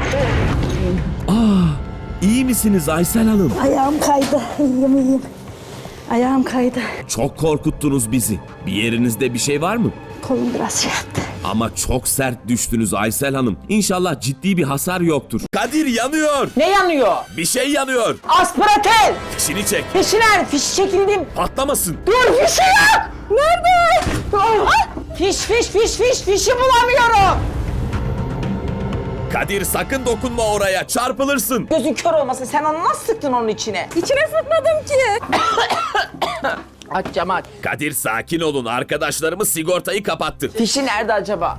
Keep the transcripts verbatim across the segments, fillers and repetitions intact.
Aa, iyi misiniz Aysel Hanım? Ayağım kaydı. İyiyim iyiyim. Ayağım kaydı. Çok korkuttunuz bizi. Bir yerinizde bir şey var mı? Kolum biraz şey yaptı. Ama çok sert düştünüz Aysel Hanım. İnşallah ciddi bir hasar yoktur. Kadir yanıyor. Ne yanıyor? Bir şey yanıyor. Aspiratel. Fişini çek. Fişi nerede? Fiş çekildim. Patlamasın. Dur, fişi yok. Nerede? Ah! Fiş fiş fiş fiş fişi bulamıyorum. Kadir sakın dokunma oraya. Çarpılırsın. Gözün kör olmasın. Sen onu nasıl sıktın onun içine? İçine sıkmadım ki. Aç cam aç. Kadir sakin olun. Arkadaşlarımız sigortayı kapattı. Fişi nerede acaba?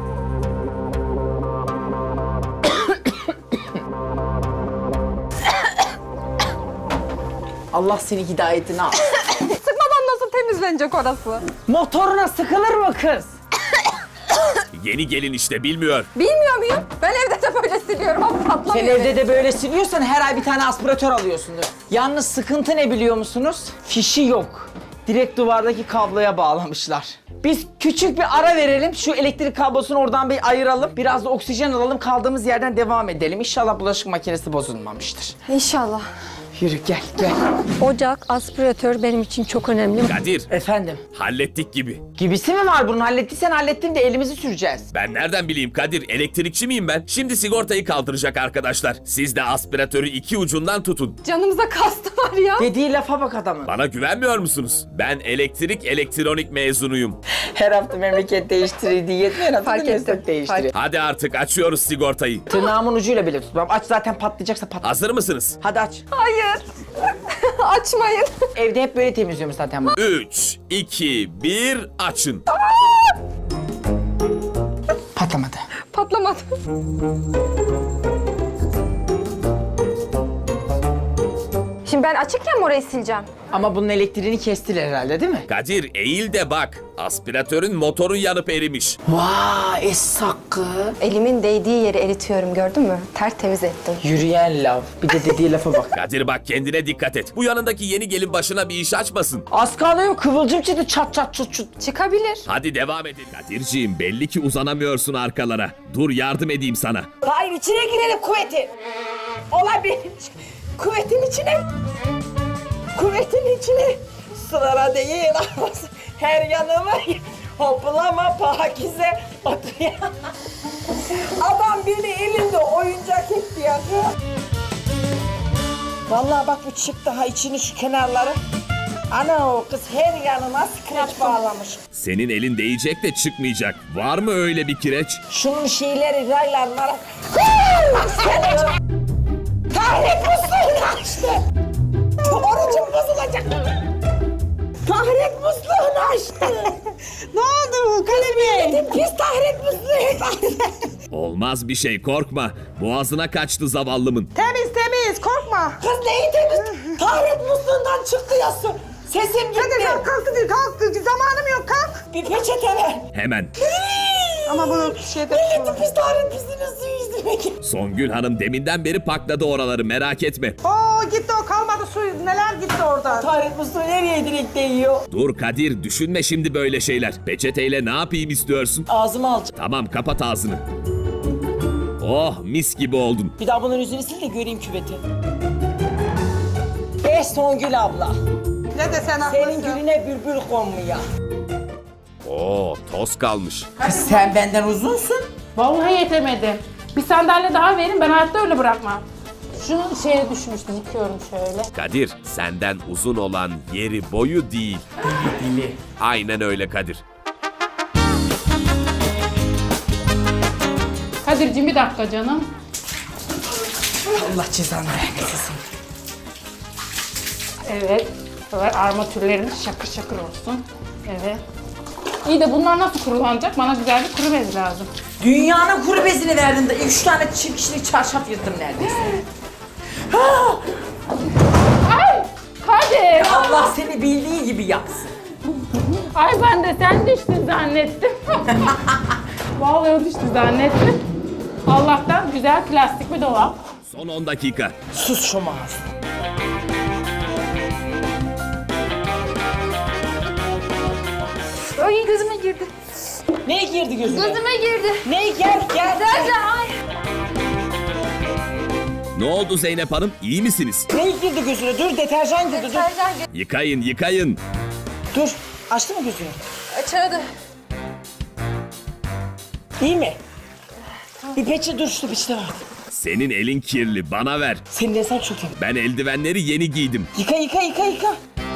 Allah seni hidayetine al. Sıkmadan nasıl temizlenecek orası? Motoruna sıkılır mı kız? Yeni gelin işte bilmiyor. Bilmiyor muyum? Ben evde de böyle siliyorum ama Sen patlamıyor. evde de böyle siliyorsan her ay bir tane aspiratör alıyorsundur. Yalnız sıkıntı ne biliyor musunuz? Fişi yok. Direkt duvardaki kabloya bağlamışlar. Biz küçük bir ara verelim. Şu elektrik kablosunu oradan bir ayıralım. Biraz da oksijen alalım. Kaldığımız yerden devam edelim. İnşallah bulaşık makinesi bozulmamıştır. İnşallah. Yürü gel gel. Ocak, aspiratör benim için çok önemli. Kadir Efendim? hallettik gibi. Gibisi mi var bunun? Hallettiysen hallettin de elimizi süreceğiz. Ben nereden bileyim Kadir? Elektrikçi miyim ben? Şimdi sigortayı kaldıracak arkadaşlar. Siz de aspiratörü iki ucundan tutun. Canımıza kastı var ya. Dediği lafa bak adamın. Bana güvenmiyor musunuz? Ben elektrik elektronik mezunuyum. Her hafta memleket değiştirir diye her hafta Fark da meslek ettim, değiştiriyor. Hadi artık açıyoruz sigortayı. Tırnağımın ucuyla bile tutmam. Aç zaten patlayacaksa patlar. Hazır mısınız? Hadi aç. Hayır. Açmayın. Evde hep böyle temizliyorum zaten bunu. üç, iki, bir açın. Patlamadı. Patlamadı. Şimdi ben açıkken mi orayı sileceğim? Ama bunun elektriğini kestiler herhalde değil mi? Kadir eğil de bak. Aspiratörün motoru yanıp erimiş. Vay es hakkı. Elimin değdiği yeri eritiyorum gördün mü? Tertemiz ettim. Yürüyen lav. Bir de dediği lafa bak. Kadir bak kendine dikkat et. Bu yanındaki yeni gelin başına bir iş açmasın. Az kalıyor kıvılcım çıktı çat çat çut çut. Çıkabilir. Hadi devam edin. Kadirciğim belli ki uzanamıyorsun arkalara. Dur yardım edeyim sana. Hayır içine girelim kuvvetin. Olabilir. Kuvvetin içine. Kuvvetin içine. Sırara değil ağlasın. Her yanıma hoplama pakize oturuyor. Adam beni elinde oyuncak etti ya. Vallahi bak bu çık daha içini şu kenarları. Ana o kız her yanına skreç bağlamış. Senin elin değecek de çıkmayacak. Var mı öyle bir kireç? Şunun şeyleri raylarlara... Tahrik musluğunu açtı. Orucum bozulacak. Tahrik musluğunu açtı. Ne oldu kalemi? Pis tahrik musluğu. Olmaz bir şey korkma. Boğazına kaçtı zavallımın. Temiz temiz korkma. Kız neyi temiz? Tahrik musluğundan çıktı ya su. Sesim gitti. Hadi kalk kalk hadi kalk. Zamanım yok kalk. Bir peçete ver. Hemen. Ama bunu şeyde... Milletin pis tahrik pisliğinin suyu izlemek. Songül Hanım deminden beri pakladı oraları merak etme. Oo gitti o kalmadı su neler gitti orada. Tahrik musluğu nereye direkt değiyor? Dur Kadir düşünme şimdi böyle şeyler. Peçeteyle ne yapayım istiyorsun? Ağzıma alacağım. Tamam kapat ağzını. Oh mis gibi oldun. Bir daha bunun yüzünü sil de göreyim küveti. Eh Songül abla. Ne desen Senin haklısın. gülüne bülbül konmuyor. Oo toz kalmış. Kız sen benden uzunsun. Vallahi yetemedim. Bir sandalye daha verin, ben hayatta öyle bırakmam. Şu şeye düşmüştüm, yıkıyorum şöyle. Kadir senden uzun olan yeri boyu değil. Dili. Aynen öyle Kadir. Kadir'cim bir dakika canım. Allah cezanı vermesin. Evet. Böyle armatürlerimiz şakır şakır olsun. Evet. İyi de bunlar nasıl kurulanacak? Bana güzel bir kuru bez lazım. Dünyanın kuru bezini verdim de üç tane çift kişilik çarşaf yırttım neredeyse. Ay! Kadir! Allah seni bildiği gibi yapsın. Ay ben de sen düştün zannettim. Vallahi o düştü zannettim. Allah'tan güzel plastik bir dolap. Son on dakika. Sus şu mağaz. Ay gözüme girdi. Ne girdi gözüne? Gözüme girdi. Ne gel gel. Derce ay. Ne oldu Zeynep Hanım? İyi misiniz? Ne girdi gözüne? Dur deterjan girdi dur. Yıkayın, yıkayın. Dur. Açtı mı gözünü? Açardı. İyi mi? Bir peçe dur şu peçete var. Senin elin kirli, bana ver. Senin de sen çok iyi. Ben eldivenleri yeni giydim. Yıka yıka yıka yıka.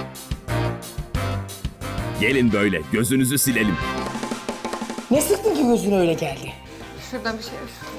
Gelin böyle, gözünüzü silelim. Ne sıktın ki gözüne öyle geldi? Şuradan bir şey.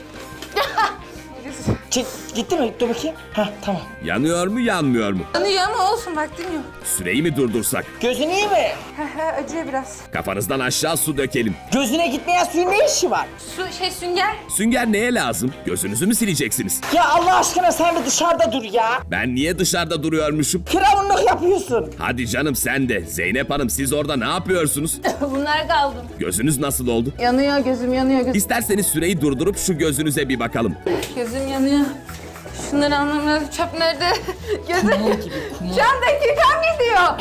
Çek, gitti mi? Dur bakayım. Hah tamam. Yanıyor mu, yanmıyor mu? Yanıyor ama olsun vaktim yok. Süreyi mi durdursak? Gözün iyi mi? Acıyor biraz. Kafanızdan aşağı su dökelim. Gözüne gitmeyen suyun ne işi var? Su şey sünger. Sünger neye lazım? Gözünüzü mü sileceksiniz? Ya Allah aşkına sen de dışarıda dur ya. Ben niye dışarıda duruyormuşum? Firavunluk yapıyorsun. Hadi canım sen de. Zeynep Hanım siz orada ne yapıyorsunuz? Bunlar kaldı. Gözünüz nasıl oldu? Yanıyor gözüm yanıyor gözüm. İsterseniz süreyi durdurup şu gözünüze bir bakalım. Gözüm yanıyor. Şunları anlamam lazım. Çöp nerede? Gözüm. Şu an dakikam gidiyor.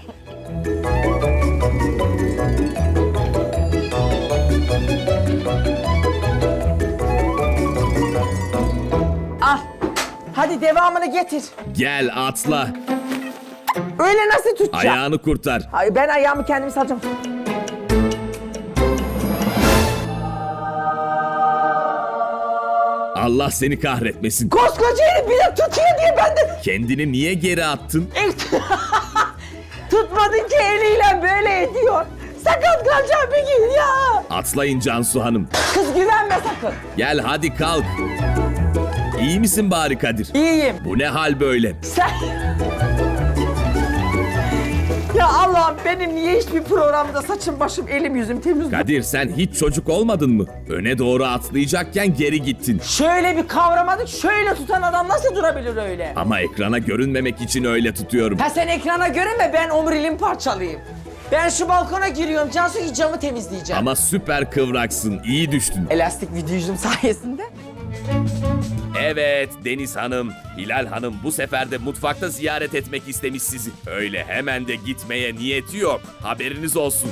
Al. Hadi devamını getir. Gel atla. Öyle nasıl tutacağım? Ayağını kurtar. Ay ben ayağımı kendim salacağım. Allah seni kahretmesin. Koskoca herif bir de tutuyor diye ben de Kendini niye geri attın? tutmadın ki eliyle böyle ediyor. Sakat kalacağım bir gün ya. Atlayın Cansu Hanım. Kız güvenme sakın. Gel hadi kalk. İyi misin bari Kadir? İyiyim. Bu ne hal böyle? Sen... Ya Allah'ım benim niye hiçbir programda saçım başım elim yüzüm temiz değil? Kadir sen hiç çocuk olmadın mı? Öne doğru atlayacakken geri gittin. Şöyle bir kavramadık şöyle tutan adam nasıl durabilir öyle? Ama ekrana görünmemek için öyle tutuyorum. Ha sen ekrana görünme ben omurilim parçalayayım. Ben şu balkona giriyorum Cansu ki camı temizleyeceğim. Ama süper kıvraksın, iyi düştün. Elastik vücudum sayesinde. Evet Deniz Hanım, Hilal Hanım bu sefer de mutfakta ziyaret etmek istemiş sizi. Öyle hemen de gitmeye niyeti yok. Haberiniz olsun.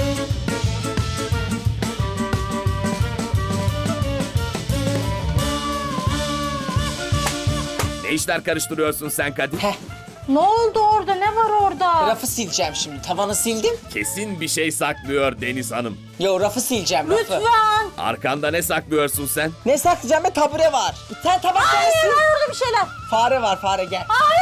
Ne işler karıştırıyorsun sen Kadir? Heh. Ne oldu orada? Ne var orada? Rafı sileceğim şimdi. Tavanı sildim. Kesin bir şey saklıyor Deniz Hanım. Yo rafı sileceğim rafı. Lütfen. Arkanda ne saklıyorsun sen? Ne saklayacağım be tabure var. Sen tabakları sil. Orada bir şeyler. Fare var fare gel.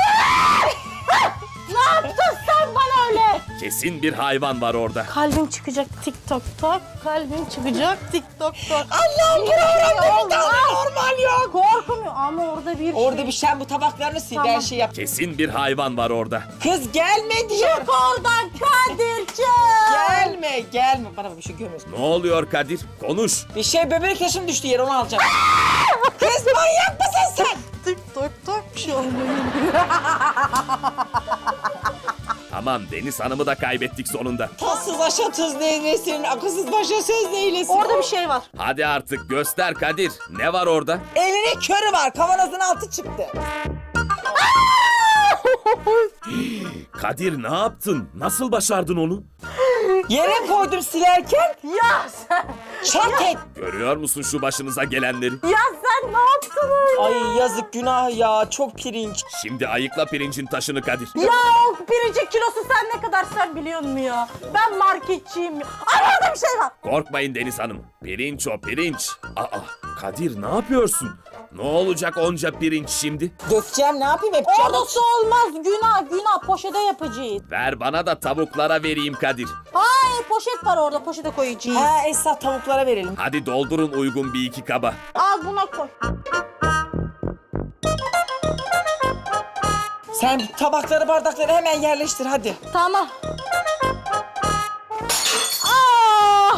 Ne yaptın sen bana öyle? Kesin bir hayvan var orada. Kalbim çıkacak TikTok'ta. Kalbim çıkacak TikTok'ta. Allah'ım programda bir tane normal yok. Korkmuyor ama orada bir Orada şey. bir şey bu tabaklarını sil Tamam. her şey yap. Kesin bir hayvan var orada. Kız gelme diyor. Çık oradan Kadir'ciğim. Gelme gelme. Bana bir şey görmüyorsun. Ne oluyor Kadir? Konuş. Bir şey böbrek taşım düştü yere onu alacağım. Kız manyak mısın sen? TikTok'ta bir şey olmuyor. Tamam Deniz Hanım'ı da kaybettik sonunda. Tatsız aşa tuz neylesin, akılsız başa söz neylesin. Orada bir şey var. Hadi artık göster Kadir. Ne var orada? Elinin körü var, kavanozun altı çıktı. Kadir ne yaptın? Nasıl başardın onu? Yere koydum silerken, Ya sen. çat et. Görüyor musun şu başınıza gelenleri? Ya sen ne yaptın öyle? Ay yazık günah ya, çok pirinç. Şimdi ayıkla pirincin taşını Kadir. Ya o pirincin kilosu sen ne kadar sen biliyor musun ya? Ben marketçiyim ya. Ay orada bir şey var. Korkmayın Deniz Hanım. Pirinç o pirinç. Aa Kadir ne yapıyorsun? Ne olacak onca pirinç şimdi? Dökeceğim ne yapayım hep Orada çabuk. su olmaz. Günah günah poşete yapacağız. Ver bana da tavuklara vereyim Kadir. Hayır poşet var orada poşete koyacağız. Ha Esra tavuklara verelim. Hadi doldurun uygun bir iki kaba. Al buna koy. Sen tabakları bardakları hemen yerleştir hadi. Tamam. Aa!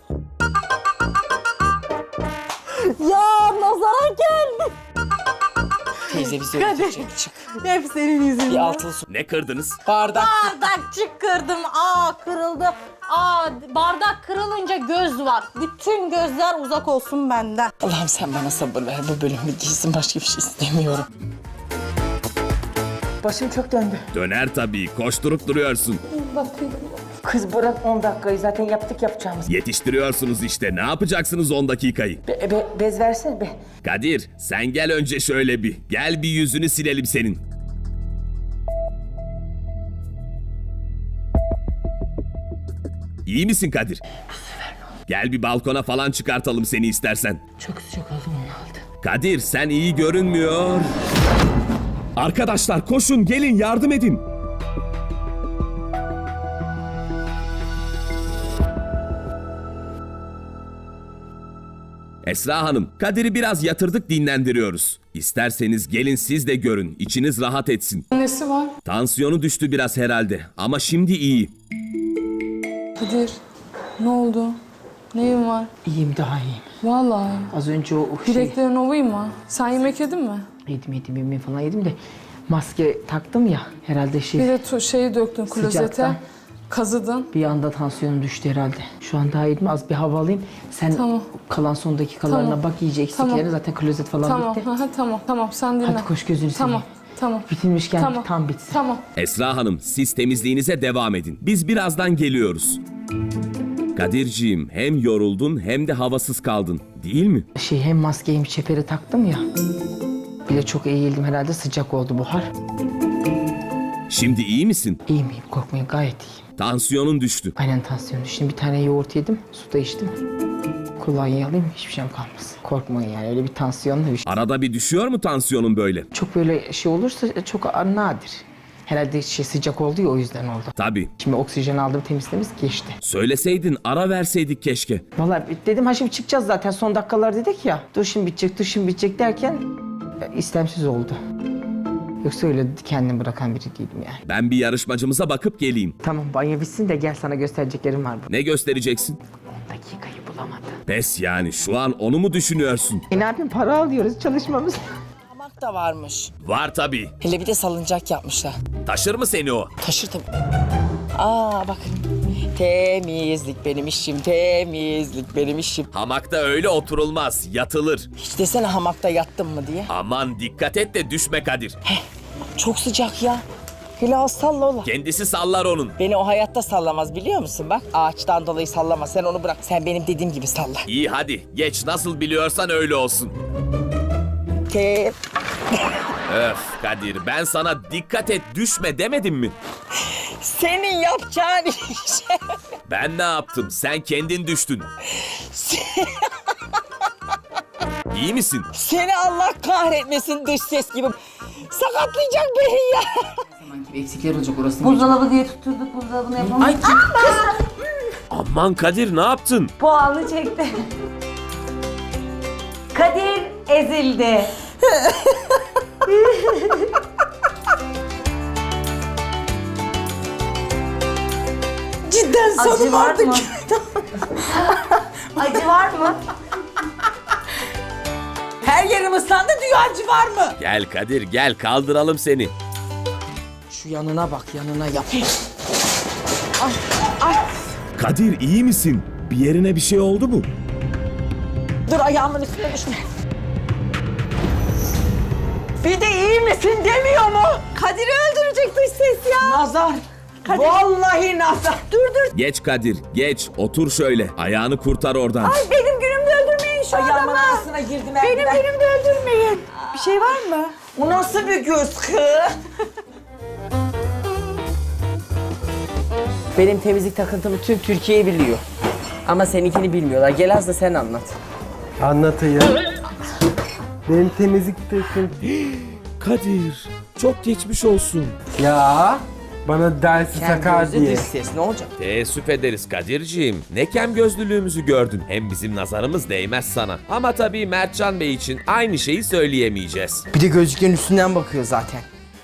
Ya nazara geldi. Teyze bizi öldürecek çık. Hep senin Bir yüzünden. altılı su. Ne kırdınız? Bardak. Bardakçık kırdım. Aa kırıldı. Aa bardak kırılınca göz var. Bütün gözler uzak olsun benden. Allah'ım sen bana sabır ver. Bu bölümü giysin başka bir şey istemiyorum. Başım çok döndü. Döner tabii. Koşturup duruyorsun. Bakayım. Kız bırak on dakikayı zaten yaptık yapacağımız. Yetiştiriyorsunuz işte. Ne yapacaksınız on dakikayı? Be, be, bez versene be. Kadir, sen gel önce şöyle bir. Gel bir yüzünü silelim senin. İyi misin Kadir? Gel bir balkona falan çıkartalım seni istersen. Çok sıcak oldu onu aldı. Kadir, sen iyi görünmüyor. Arkadaşlar koşun, gelin yardım edin. Esra Hanım, Kadir'i biraz yatırdık, dinlendiriyoruz. İsterseniz gelin siz de görün, içiniz rahat etsin. Nesi var? Tansiyonu düştü biraz herhalde ama şimdi iyi. Kadir, ne oldu? Neyin var? İyiyim, daha iyiyim. Vallahi. Az önce o, o şey... Bileklerin ovayım mı? Sen yemek yedin mi? Yedim yedim yemeği falan yedim de maske taktım ya herhalde şey... Bir de tu- şeyi döktün klozete. Sıcaktan. Kazıdın. Bir anda tansiyonum düştü herhalde. Şu an daha iyiyim. Az bir hava alayım. Sen Tamam. kalan son dakikalarına Tamam. bak, iyice eksiklerine. Tamam. Zaten klozet falan Tamam, bitti. aha, tamam, tamam. Sen dinle. Hadi koş, gözünü seveyim. Tamam, tamam. Bitilmişken Tamam. tam bitsin. Tamam. Esra Hanım, siz temizliğinize devam edin. Biz birazdan geliyoruz. Kadirciğim, hem yoruldun hem de havasız kaldın, değil mi? Şey, hem maskeyi hem çeperi taktım ya. Bir de çok eğildim herhalde, sıcak oldu buhar. Şimdi iyi misin? İyiyim iyiyim, korkmayın, gayet iyiyim. Tansiyonun düştü. Aynen tansiyonu. Şimdi bir tane yoğurt yedim, su da içtim. Kolonya alayım, hiçbir şeyim kalmasın. Korkmayın yani, öyle bir tansiyonla bir şey. Arada bir düşüyor mu tansiyonun böyle? Çok böyle şey olursa çok nadir. Herhalde şey sıcak oldu ya, o yüzden oldu. Tabii. Şimdi oksijen aldım, temizlemiz geçti. Söyleseydin, ara verseydik keşke. Vallahi dedim ha şimdi çıkacağız zaten, son dakikalar dedik ya. Dur şimdi bitecek, dur şimdi bitecek derken e, istemsiz oldu. Yoksa öyle kendimi bırakan biri değilim yani. Ben bir yarışmacımıza bakıp geleyim. Tamam, banyo bitsin de gel, sana göstereceklerim var. Ne göstereceksin? on dakikayı bulamadım. Pes yani, şu an onu mu düşünüyorsun? E ne yapayım, para alıyoruz, çalışmamız. Hamak da varmış. Var tabii. Hele bir de salıncak yapmışlar. Taşır mı seni o? Taşır tabii. Aa bak. Temizlik benim işim, temizlik benim işim. Hamakta öyle oturulmaz, yatılır. Hiç desene hamakta yattım mı diye. Aman dikkat et de düşme Kadir. Çok sıcak ya. Hele az salla ola. Kendisi sallar onun. Beni o hayatta sallamaz, biliyor musun? Bak ağaçtan dolayı sallama, sen onu bırak. Sen benim dediğim gibi salla. İyi hadi, geç nasıl biliyorsan öyle olsun. Te Öf Kadir, ben sana dikkat et düşme demedim mi? Senin yapacağın işe. Ben ne yaptım? Sen kendin düştün. İyi misin? Seni Allah kahretmesin, dış ses gibi. Sakatlayacak beni ya. Sanki bir eksikler olacak orası. Buzdolabı diye tutturduk, buzdolabını yapamadık. Ay kız. Aman Kadir, ne yaptın? Puanı çekti. Kadir ezildi. Cidden sonum var artık. mı? Acı var mı? Her yerim ıslandı diyor, acı var mı? Gel Kadir, gel kaldıralım seni. Şu yanına bak, yanına yap. Kadir iyi misin? Bir yerine bir şey oldu mu? Dur, ayağımın üstüne düşme. Bir de iyi misin demiyor mu? Kadir'i öldürecek dış ses ya. Nazar. Vallahi nazar. Dur dur. Geç Kadir, geç. Otur şöyle. Ayağını kurtar oradan. Ay benim günümde öldürmeyin şu Ayağımın adamı. arasına girdim. Benim günümde öldürmeyin. Bir şey var mı? O nasıl bir göz kız? Benim temizlik takıntımı tüm Türkiye biliyor. Ama seninkini bilmiyorlar. Gel az da sen anlat. Anlatayım. Benim temizlik takım. Kadir, çok geçmiş olsun. Ya bana dersi sakar Kendi diye. dış ses ne olacak? Teessüf ederiz Kadir'ciğim. Ne kem gözlülüğümüzü gördün. Hem bizim nazarımız değmez sana. Ama tabii Mertcan Bey için aynı şeyi söyleyemeyeceğiz. Bir de gözlüklerin üstünden bakıyor zaten.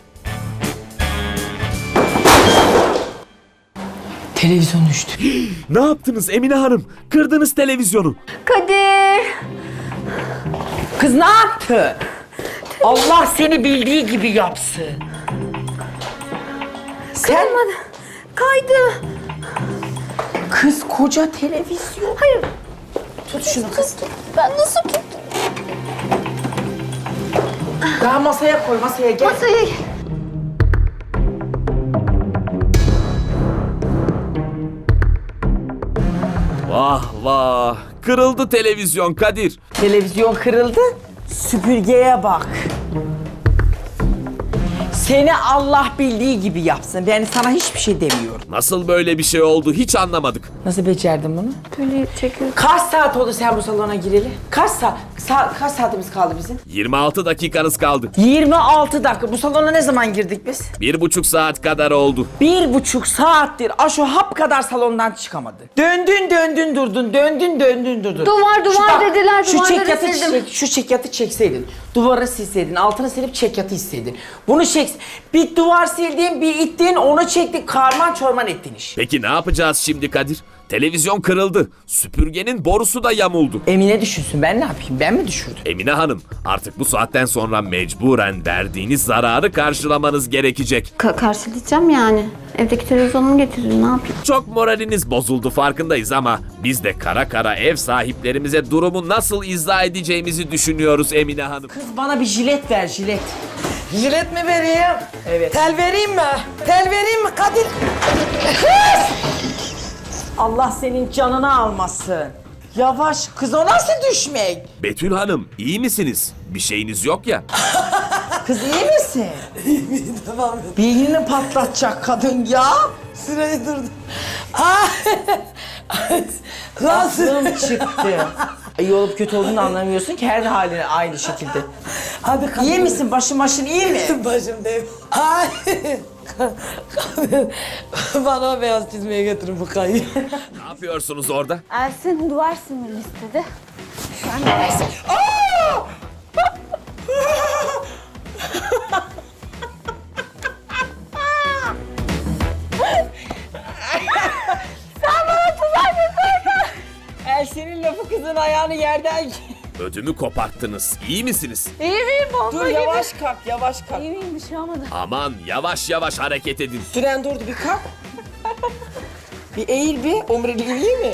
Televizyon düştü. Ne yaptınız Emine Hanım? Kırdınız televizyonu. Kadir. Kız ne yaptı? Allah seni bildiği gibi yapsın. Sen... Kaydı. Kız koca televizyon. Hayır. Tut şunu kız. Ben nasıl tuttum? Daha masaya koy, masaya gel. Masayı. Vah vah. Kırıldı televizyon Kadir. Televizyon kırıldı. Süpürgeye bak. Seni Allah bildiği gibi yapsın. Ben sana hiçbir şey demiyorum. Nasıl böyle bir şey oldu hiç anlamadık. Nasıl becerdin bunu? Böyle çekiyor. Kaç saat oldu sen bu salona gireli? Kaç saat? Sa- kaç saatimiz kaldı bizim? yirmi altı dakikanız kaldı. yirmi altı dakika. Bu salona ne zaman girdik biz? Bir buçuk saat kadar oldu. Bir buçuk saattir Aşo hap kadar salondan çıkamadı. Döndün döndün durdun, döndün döndün durdun. Duvar, duvar bak, dediler, şu duvarları çekyatı sildim. çek- şu çekyatı çekseydin, duvarı silseydin, altını silip çekyatı hissedin. Bunu çek, bir duvar sildin, bir ittin, onu çektin, karman çorman ettin iş. Peki ne yapacağız şimdi Kadir? Televizyon kırıldı. Süpürgenin borusu da yamuldu. Emine düşünsün, ben ne yapayım, ben mi düşürdüm? Emine Hanım, artık bu saatten sonra mecburen verdiğiniz zararı karşılamanız gerekecek. Ka- karşılayacağım yani. Evdeki televizyonumu getirin, ne yapayım? Çok moraliniz bozuldu farkındayız ama biz de kara kara ev sahiplerimize durumu nasıl izah edeceğimizi düşünüyoruz Emine Hanım. Kız bana bir jilet ver, jilet. Jilet mi vereyim? Evet. Tel vereyim mi? Tel vereyim mi Kadir? Allah senin canını almasın. Yavaş, kız o nasıl düşmek? Betül Hanım, iyi misiniz? Bir şeyiniz yok ya. Kız iyi misin? İyi tamam. Beynini patlatacak kadın ya. Sırayı durdum. Ah! Lan Aklım çıktı. İyi olup kötü olduğunu anlamıyorsun ki her haline aynı şekilde. Hadi Kadir. İyi misin? Başın başın iyi mi? Başım dev. Ay. Kadir, bana o beyaz çizmeye getirin bu kayıyı. Ne yapıyorsunuz orada? Ersin duvar silmemi istedi. El senin lafı kızın ayağını yerden... Ödümü koparttınız. İyi misiniz? İyi miyim bomba Dur yavaş kalk, yavaş kalk. İyi miyim, bir şey olmadı. Aman yavaş yavaş hareket edin. Süren durdu bir kalk. Bir eğil bir. Omuriliğin iyi mi?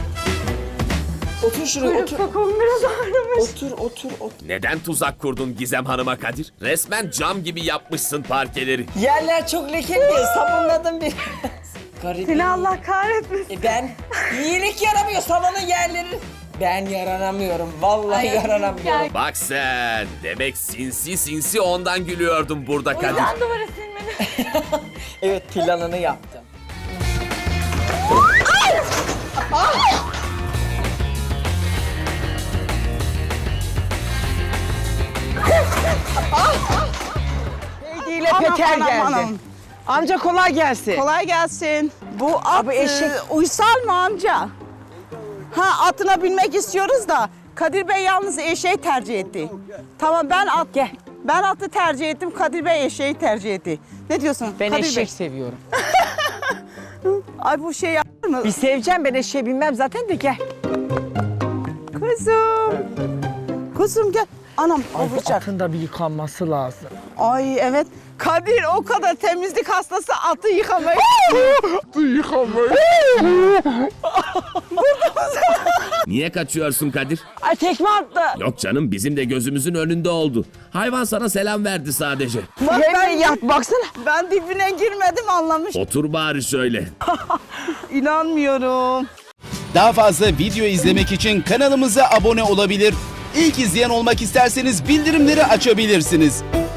Otur şuraya otur. Kolum biraz ağrımış. Otur otur otur. Neden tuzak kurdun Gizem Hanım'a Kadir? Resmen cam gibi yapmışsın parkeleri. Yerler çok lekeli. Sabunladım bir. Garip. Seni Allah kahretmesin. E ben iyilik yaramıyor salonun yerleri. Ben yaranamıyorum. Vallahi yaranamıyorum. Bak sen. Demek sinsi sinsi ondan gülüyordum burada Kadir. Ben duvara silmeni. Evet planını yaptım. Hediyle Peker geldi. Amca kolay gelsin. Kolay gelsin. Bu at Abi eşek- e, uysal mı amca? Ha atına binmek istiyoruz da Kadir Bey yalnız eşeği tercih etti. Tamam ben at Gel. ben atı tercih ettim. Kadir Bey eşeği tercih etti. Ne diyorsun? Ben Kadir eşek Bey? seviyorum. Ay bu şey yapar mı? Bir seveceğim, ben eşeğe binmem zaten de gel. Kızım. Kızım gel. Anam olacak. Atın da bir yıkanması lazım. Ay evet. Kadir o kadar temizlik hastası atı yıkamayı. Niye kaçıyorsun Kadir? Ay tekme attı. Yok canım bizim de gözümüzün önünde oldu. Hayvan sana selam verdi sadece. Bak Yemin ben, yat baksana. ben dibine girmedim anlamış. Otur bari şöyle. İnanmıyorum. Daha fazla video izlemek için kanalımıza abone olabilir. İlk izleyen olmak isterseniz bildirimleri açabilirsiniz.